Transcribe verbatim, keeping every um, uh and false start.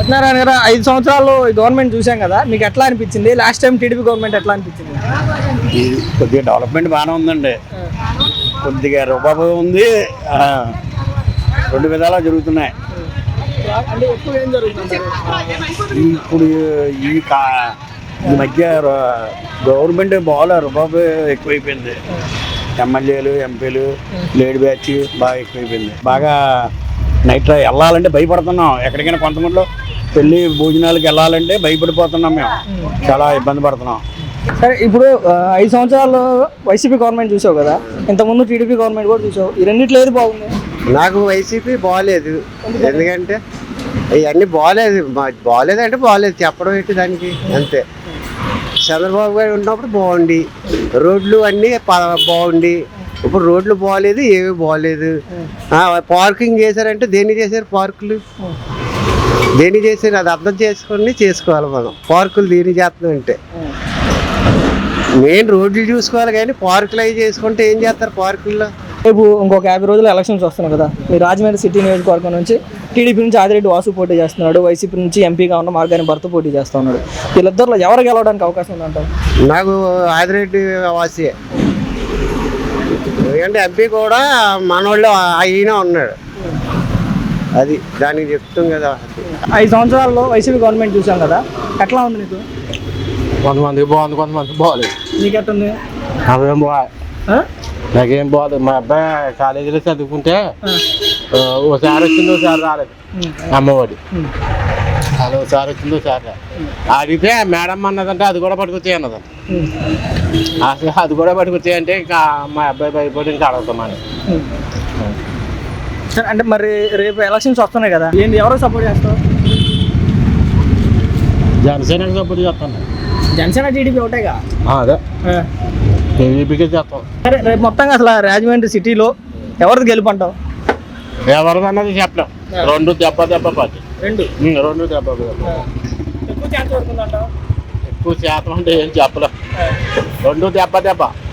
సత్యనారాయణ గారు ఐదు సంవత్సరాలు గవర్నమెంట్ చూసాం కదా, మీకు ఎట్లా అనిపించింది? లాస్ట్ టైం టీడీపీ గవర్నమెంట్ ఎట్లా అనిపించింది? కొద్దిగా డెవలప్మెంట్ బాగానే ఉందండి, కొద్దిగా రూపాయి ఉంది, రెండు విధాలా జరుగుతున్నాయి. అంటే ఎక్కువ ఏం జరుగుతుంది ఇప్పుడు ఈ కా ఈ మధ్య గవర్నమెంట్ బాగా రూపాయి ఎక్కువైపోయింది. ఎమ్మెల్యేలు ఎంపీలు లేడీ బ్యాచ్ బాగా ఎక్కువైపోయింది. బాగా నైట్ వెళ్ళాలంటే భయపడుతున్నాం. ఎక్కడికైనా కొంతమందిలో పెళ్లి భోజనాలకు వెళ్ళాలంటే భయపడిపోతున్నాం, మేము చాలా ఇబ్బంది పడుతున్నాం. సరే, ఇప్పుడు ఐదు సంవత్సరాలు వైసీపీ గవర్నమెంట్ చూసావు కదా, ఇంతకుముందు టీడీపీ గవర్నమెంట్ కూడా చూసావు. ఈ రెండిట్లో ఏది బాగుంది? నాకు వైసీపీ బాగాలేదు, ఎందుకంటే ఇవన్నీ బాగాలేదు. బాగాలేదు అంటే బాగాలేదు, చెప్పడం ఏంటి దానికి, అంతే. చంద్రబాబు గారు ఉన్నప్పుడు బాగుండి రోడ్లు అన్నీ బాగుండి, ఇప్పుడు రోడ్లు బాగాలేదు, ఏమీ బాగాలేదు. పార్కింగ్ చేశారంటే దేన్ని చేశారు? పార్కులు దేన్ని చేశారు? అది అర్థం చేసుకొని చేసుకోవాలి మనం. పార్కులు దేన్ని చేస్తున్నాం అంటే మెయిన్ రోడ్లు చూసుకోవాలి, కానీ పార్కులు అవి చేసుకుంటే ఏం చేస్తారు పార్కుల్లో? రేపు ఇంకొక యాభై రోజులు ఎలక్షన్స్ వస్తున్నాయి కదా, మీ రాజమండ్రి సిటీ నియోజకవర్గం నుంచి టీడీపీ నుంచి ఆదిరెడ్డి వాసు పోటీ చేస్తున్నాడు, వైసీపీ నుంచి ఎంపీగా ఉన్న మార్గాని భర్త పోటీ చేస్తూ ఉన్నాడు. వీళ్ళిద్దరిలో ఎవరు గెలవడానికి అవకాశం ఉందంటారు? నాకు ఆదిరెడ్డి వాసియే, ఎందుకంటే ఎంపీ కూడా మనోళ్ళు అయినా ఉన్నాడు, అది దానికి చెప్తాం కదా. ఐదు సంవత్సరాల్లో వైసీపీ గవర్నమెంట్ చూసాం కదా, ఎట్లా ఉంది నీకు? కొంతమందికి బాగుంది, కొంతమందికి బాగాలేదు. నీకు ఎట్టుంది? అవేం బాగా నాకేం బాగాలేదు. మా అబ్బాయి కాలేజీలో చదువుకుంటే ఓసారి వచ్చింది, ఓసారి రాలేదు. అమ్మఒడి అది ఒకసారి వచ్చింది, ఒకసారి రాలేదు. అడిగితే మేడం అన్నదంటే అది కూడా పట్టుకొచ్చాయి అన్నదంట. అసలు అది కూడా పట్టుకొచ్చాయంటే ఇంకా మా అబ్బాయి భయపడి ఇంకా అడుగుతామని. అంటే మరి రేపు ఎలక్షన్స్ వస్తున్నాయి కదా, ఏంటి ఎవరు సపోర్ట్ చేస్తావు? జనసేనకి సపోర్ట్ చేస్తాను. జనసేన టీడీపీ ఒకటేగా? అదే టీడీపీకే చేస్తాం. సరే, రేపు మొత్తంగా అసలు రాజమండ్రి సిటీలో ఎవరిది గెలుపంటావు? ఎవరిదన్నది చెప్పలేం. రెండు దెబ్బ దెబ్బ పార్టీ, రెండు రెండు దెబ్బ ఎక్కువ ఛాన్స్ పడుతుందంటావు? ఎక్కువ శాతం అంటే ఏం చెప్పలేం. రెండు దెబ్బ దెబ్బ